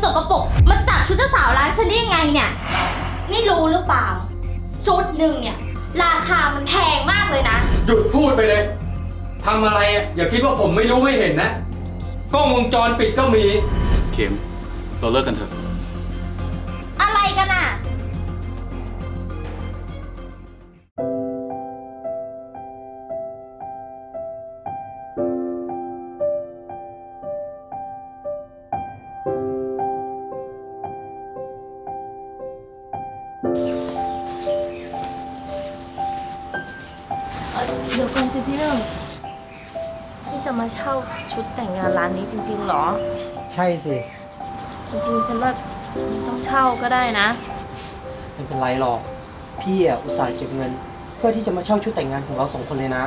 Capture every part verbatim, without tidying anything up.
กปรกมาจับชุดเจ้าสาวร้านฉันได้ยังไงเนี่ยนี่รู้หรือเปล่าชุดหนึ่งเนี่ยราคามันแพงมากเลยนะหยุดพูดไปเลยทำอะไรอ่ะอย่าคิดว่าผมไม่รู้ไม่เห็นนะกล้องวงจรปิดก็มีเข็มเราเลิกกันเถอะอะไรกันอ่ะเดี๋ยวก่อนสิพี่หนึ่งพี่จะมาเช่าชุดแต่งงานร้านนี้จริงๆหรอใช่สิจริงๆฉันว่าต้องเช่าก็ได้นะไม่เป็นไรหรอกพี่อ่ะอุตส่าห์เก็บเงินเพื่อที่จะมาเช่าชุดแต่งงานของเราสองคนเลยนะ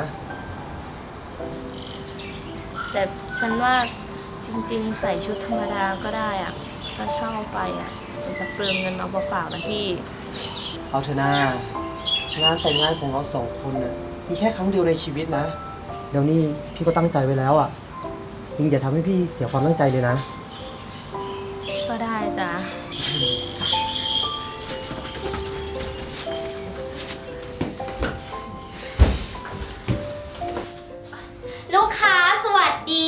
แต่ฉันว่าจริงๆใส่ชุดธรรมดาก็ได้อ่ะถ้าเช่าไปอ่ะมันจะเปลืองเงินเอาเปล่าๆนะพี่เอาเถอะนางานแต่งงานของเราสองคนน่ะมีแค่ครั้งเดียวในชีวิตนะเดี๋ยวนี้พี่ก็ตั้งใจไว้แล้วอ่ะยิงอย่าทำให้พี่เสียความตั้งใจเลยนะก็ได้จ้ะลูกค้าสวัสดี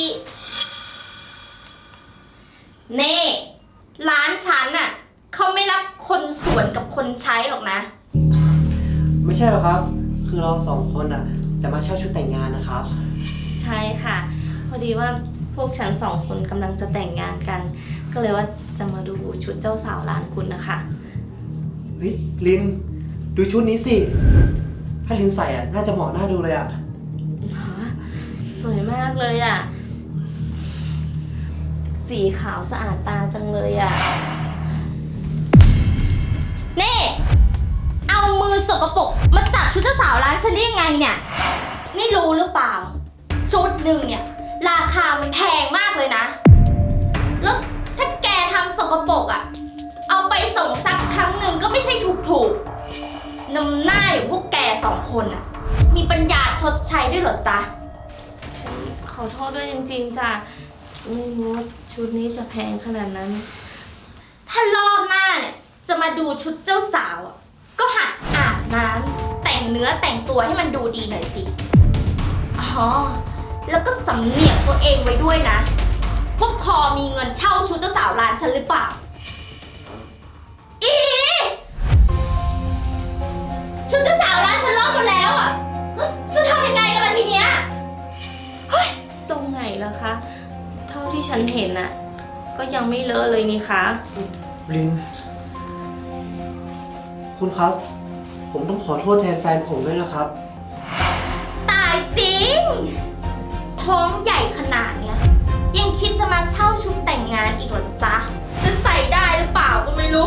เน่ร้านฉันน่ะเขาไม่รับคนสวนกับคนใช้หรอกนะไม่ใช่หรอกครับคือเราสองคนอ่ะจะมาเช่าชุดแต่งงานนะครับใช่ค่ะพอดีว่าพวกฉันสองคนกำลังจะแต่งงานกันก็เลยว่าจะมาดูชุดเจ้าสาวร้านคุณนะคะเฮ้ยลินดูชุดนี้สิถ้าลินใส่อ่ะน่าจะเหมาะน่าดูเลยอ่ะสวยมากเลยอ่ะสีขาวสะอาดตาจังเลยอ่ะนี่เอามือสกปรกมาจับชุดเจ้าสาวร้านฉันได้ยังไงเนี่ยนี่รู้หรือเปล่าชุดหนึ่งเนี่ยราคามันแพงมากเลยนะแล้วถ้าแกทำสกปรกอ่ะเอาไปส่งสักครั้งหนึ่งก็ไม่ใช่ถูกๆนำหน้าอย่างพวกแกสองคนอ่ะมีปัญญาชดใช้ด้วยเหรอจ๊ะขอโทษด้วยจริงๆจ้ะไม่รู้ว่าชุดนี้จะแพงขนาดนั้นถ้ารอบหน้าเนี่ยจะมาดูชุดเจ้าสาวอ่ะก็หัดอาบน้ำแต่งเนื้อแต่งตัวให้มันดูดีหน่อยสิอ๋อแล้วก็สำเนียกตัวเองไว้ด้วยนะว่าพอมีเงินเช่าชุดเจ้าสาวร้านฉันหรือเปล่าอีชุดเจ้าสาวร้านฉันลอกหมดแล้วอ่ะจะทำยังไงกันล่ะทีเนี้ยเฮ้ยตรงไหนล่ะคะเท่าที่ฉันเห็นน่ะก็ยังไม่เลอะเลยนี่คะลินคุณครับผมต้องขอโทษแทนแฟนผมด้วยนะครับตายจริงท้องใหญ่ขนาดเนี้ยยังคิดจะมาเช่าชุดแต่งงานอีกเหรอจ๊ะจะใส่ได้หรือเปล่าก็ไม่รู้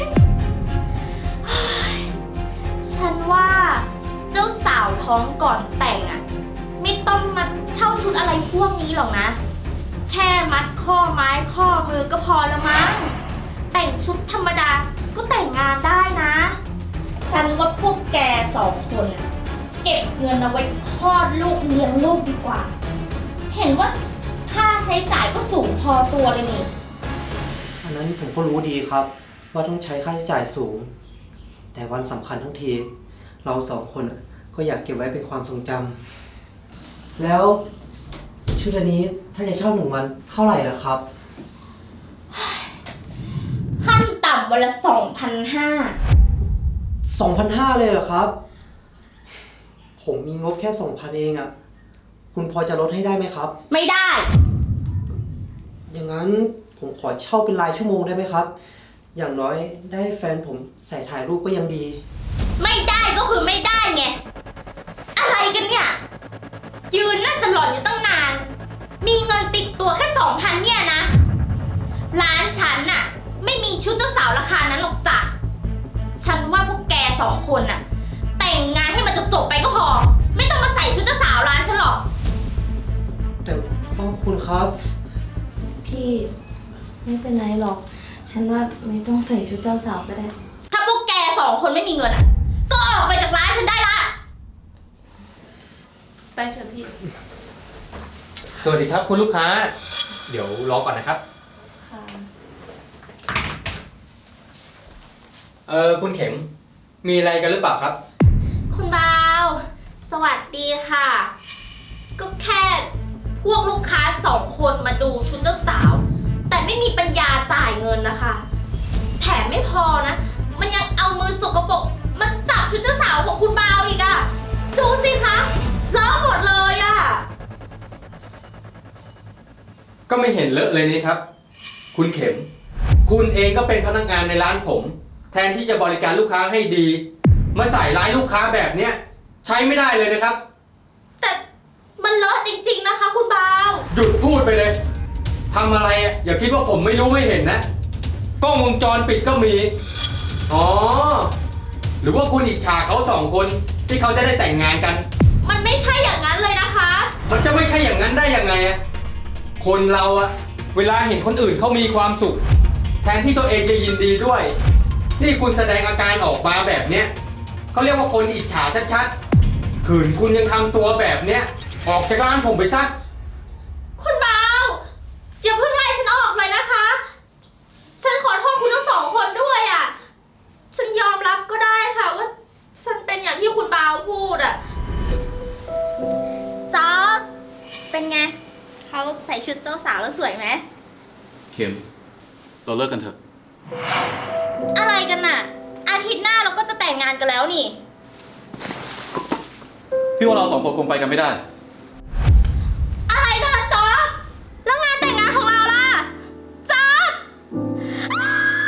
ฉันว่าเจ้าสาวท้องก่อนแต่งอ่ะไม่ต้องมาเช่าชุดอะไรพวกนี้หรอกนะแค่มัดข้อไม้ข้อมือก็พอละมั้งแต่งชุดธรรมดาก็แต่งงานได้นะฉันว่าพวกแกสองคนเก็บเงินเอาไว้คลอดลูกเลี้ยงลูกดีกว่าเห็นว่าค่าใช้จ่ายก็สูงพอตัวเลยนี่อันนั้นผมก็รู้ดีครับว่าต้องใช้ค่าใช้จ่ายสูงแต่วันสำคัญทั้งทีเราสองคนก็อยากเก็บไว้เป็นความทรงจำแล้วชุดอันนี้ถ้าจะเช่าหนึ่งวันเท่าไหร่ล่ะครับขั้นต่ำวันละสองพันห้าสองพันห้าเลยเหรอครับผมมีงบแค่สองพันเองอ่ะคุณพอจะลดให้ได้ไหมครับไม่ได้อย่างนั้นผมขอเช่าเป็นรายชั่วโมงได้ไหมครับอย่างน้อยได้แฟนผมใส่ถ่ายรูปก็ยังดีไม่ได้ก็คือไม่ได้ไงอะไรกันเนี่ยยืนหน้าสลอนอยู่ตั้งนานมีเงินติดตัวแค่สองพันเนี่ยนะร้านฉันน่ะไม่มีชุดเจ้าสาวราคานั้นหรอกจ้ะฉันว่าพวกแกสองคนน่ะแต่งงานให้มันจบๆไปก็พอไม่ต้องมาใส่ชุดเจ้าสาวร้านฉันหรอกแต่พ่อคุณครับพี่ไม่เป็นไรหรอกฉันว่าไม่ต้องใส่ชุดเจ้าสาวก็ได้ถ้าพวกแกสองคนไม่มีเงินอ่ะก็ออกไปจากร้านฉันได้ละไปเถอะพี่สวัสดีครับคุณลูกค้าเดี๋ยวรอก่อนนะครับค่ะออคุณเข็ม มีอะไรกันหรือเปล่าครับคุณบาว สวัสดีค่ะ ก็แค่พวกลูกค้าสองคนมาดูชุดเจ้าสาว แต่ไม่มีปัญญาจ่ายเงินนะคะ แถมไม่พอนะ มันยังเอามือสกปรกมาจับชุดเจ้าสาวของคุณบาวอีกอะดูสิคะเลอะหมดเลยอะก็ไม่เห็นเลอะเลยนี่ครับ คุณเข็ม คุณเองก็เป็นพนักงานในร้านผม แทนที่จะบริการลูกค้าให้ดี มาใส่ร้ายลูกค้าแบบเนี้ยใช้ไม่ได้เลยนะครับแต่มันเลอะจริงๆนะคะคุณบาวหยุดพูดไปเลยทำอะไรอ่ะอย่าคิดว่าผมไม่รู้ไม่เห็นนะกล้องวงจรปิดก็มี อ๋อ หรือว่าคุณอิจฉาเขาสองคนที่เขาจะได้แต่งงานกันมันไม่ใช่อย่างนั้นเลยนะคะมันจะไม่ใช่อย่างนั้นได้ยังไงอะคนเราอะเวลาเห็นคนอื่นเขามีความสุข แทนที่ตัวเองจะยินดีด้วย นี่คุณแสดงอาการออกมาแบบเนี้ยเขาเรียกว่าคนอิจฉาชัดๆขืนคุณยังทำตัวแบบเนี้ยออกจากร้านผมไปซะคุณบาวอย่าเพิ่งไล่ฉันออกเลยนะคะ ฉันขอโทษคุณทั้งสองคนด้วยอ่ะ ฉันยอมรับก็ได้ค่ะว่าฉันเป็นอย่างที่คุณบาวพูดอ่ะจ๊อบเป็นไง เขาใส่ชุดเจ้าสาวแล้วสวยไหมเข็ม เราเลิกกันเถอะอะไรกันน่ะ อาทิตย์หน้าเราก็จะแต่งงานกันแล้วนี่พี่ว่าเราสองคนคงไปกันไม่ได้อะไรกันล่ะจ๊อบแล้วงานแต่งงานของเราล่ะจ๊อบอ้า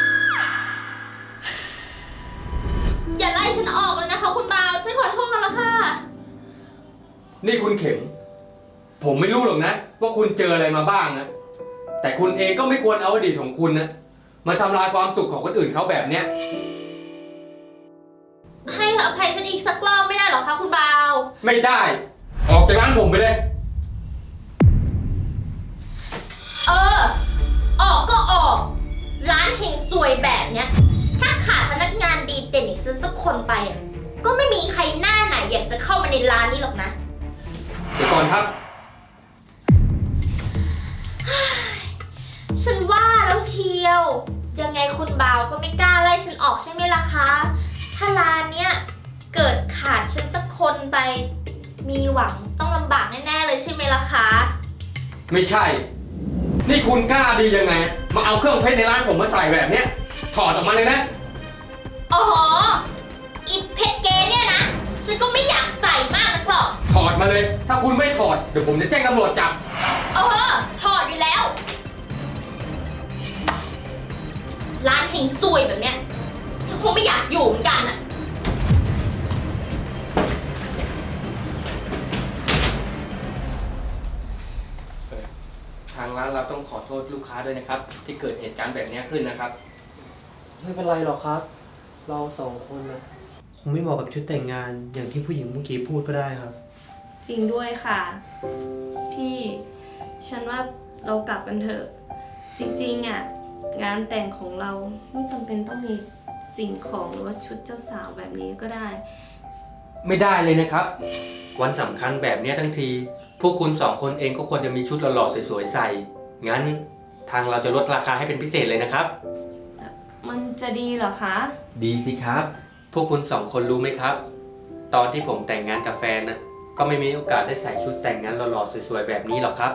อย่าไล่ฉันออกเลยนะคะคุณบาวฉันขอโทษแล้วค่ะนี่คุณเข็ม ผมไม่รู้หรอกนะ ว่าคุณเจออะไรมาบ้างนะ แต่คุณเองก็ไม่ควรเอาอดีตของคุณนะมาทำลายความสุขของคนอื่นเขาแบบเนี้ยให้อภัยฉันอีกสักรอบไม่ได้หรอคะคุณบาวไม่ได้ ออกจากร้านผมไปเลยเออ ออกก็ออก ร้านเฮงซวยแบบเนี้ย ถ้าขาดพนักงานดีเด่นอีกสักคนไปอ่ะ ก็ไม่มีใครหน้าไหนอยากจะเข้ามาในร้านนี้หรอกนะเดี๋ยวก่อนครับฉันว่าแล้วเชียว ยังไงคุณบาวก็ไม่กล้าไล่ฉันออกใช่ไหมล่ะคะ ถ้าร้านเนี้ยเกิดขาดฉันสักคนไป มีหวังต้องลำบากแน่ๆเลยใช่ไหมล่ะคะไม่ใช่ นี่คุณกล้าดียังไง มาเอาเครื่องเพชรในร้านผมมาใส่แบบเนี้ย ถอดออกมาเลยนะอ๋ออีเพชรเกเนี่ยนะ ฉันก็ไม่อยากใส่มากนักหรอกถอดมาเลย ถ้าคุณไม่ถอด เดี๋ยวผมจะแจ้งตำรวจจับเออถอดอยู่แล้ว ร้านเฮงซวยแบบเนี้ย ฉันคงไม่อยากอยู่เหมือนกันอะทางร้านเราต้องขอโทษลูกค้าด้วยนะครับ ที่เกิดเหตุการณ์แบบนี้ขึ้นนะครับไม่เป็นไรหรอกครับ เราสองคนนะคงไม่เหมาะกับชุดแต่งงานอย่างที่ผู้หญิงเมื่อกี้พูดก็ได้ครับจริงด้วยค่ะ พี่ ฉันว่าเรากลับกันเถอะ จริงๆอ่ะงานแต่งของเราไม่จำเป็นต้องมีสิ่งของหรือว่าชุดเจ้าสาวแบบนี้ก็ได้ไม่ได้เลยนะครับ วันสำคัญแบบนี้ทั้งที พวกคุณสองคนเองก็ควรจะมีชุดหล่อๆสวยๆใส่ งั้นทางเราจะลดราคาให้เป็นพิเศษเลยนะครับมันจะดีเหรอคะดีสิครับ พวกคุณสองคนรู้ไหมครับ ตอนที่ผมแต่งงานกับแฟนนะก็ไม่มีโอกาสได้ใส่ชุดแต่งงานหล่อๆสวยๆแบบนี้หรอกครับ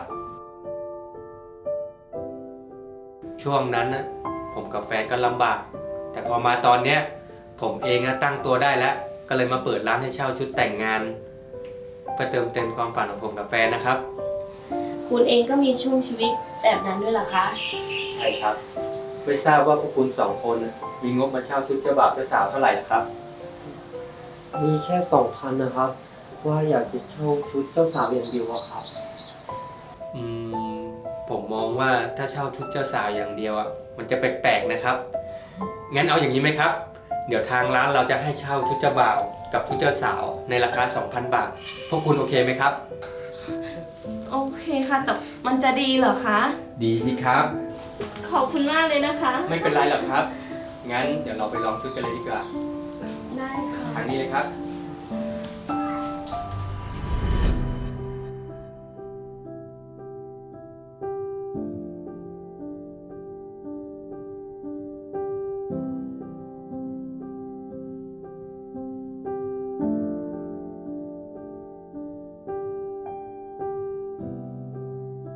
ช่วงนั้นนะผมกับแฟนก็ลำบาก แต่พอมาตอนเนี้ยผมเองนะตั้งตัวได้แล้ว ก็เลยมาเปิดร้านให้เช่าชุดแต่งงานเพื่อเติมเต็มความฝันของผมกับแฟนนะครับคุณเองก็มีช่วงชีวิตแบบนั้นด้วยเหรอคะใช่ครับ ไม่ทราบว่าพวกคุณสองคนน่ะมีงบมาเช่าชุดเจ้าบ่าวเจ้าสาวเท่าไหร่ล่ะครับมีแค่สองพันนะครับ ว่าอยากจะเช่าชุดเจ้าสาวอย่างเดียวอะครับอืมผมมองว่าถ้าเช่าชุดเจ้าสาวอย่างเดียวอ่ะมันจะแปลกๆนะครับ งั้นเอาอย่างนี้ไหมครับ เดี๋ยวทางร้านเราจะให้เช่าชุดเจ้าบ่าวกับชุดเจ้าสาวในราคา สองพัน บาท พวกคุณโอเคไหมครับโอเคค่ะ แต่มันจะดีเหรอคะดีสิครับขอบคุณมากเลยนะคะไม่เป็นไรหรอกครับ งั้นเดี๋ยวเราไปลองชุดกันเลยดีกว่าได้ค่ะทางนี้เลยครับ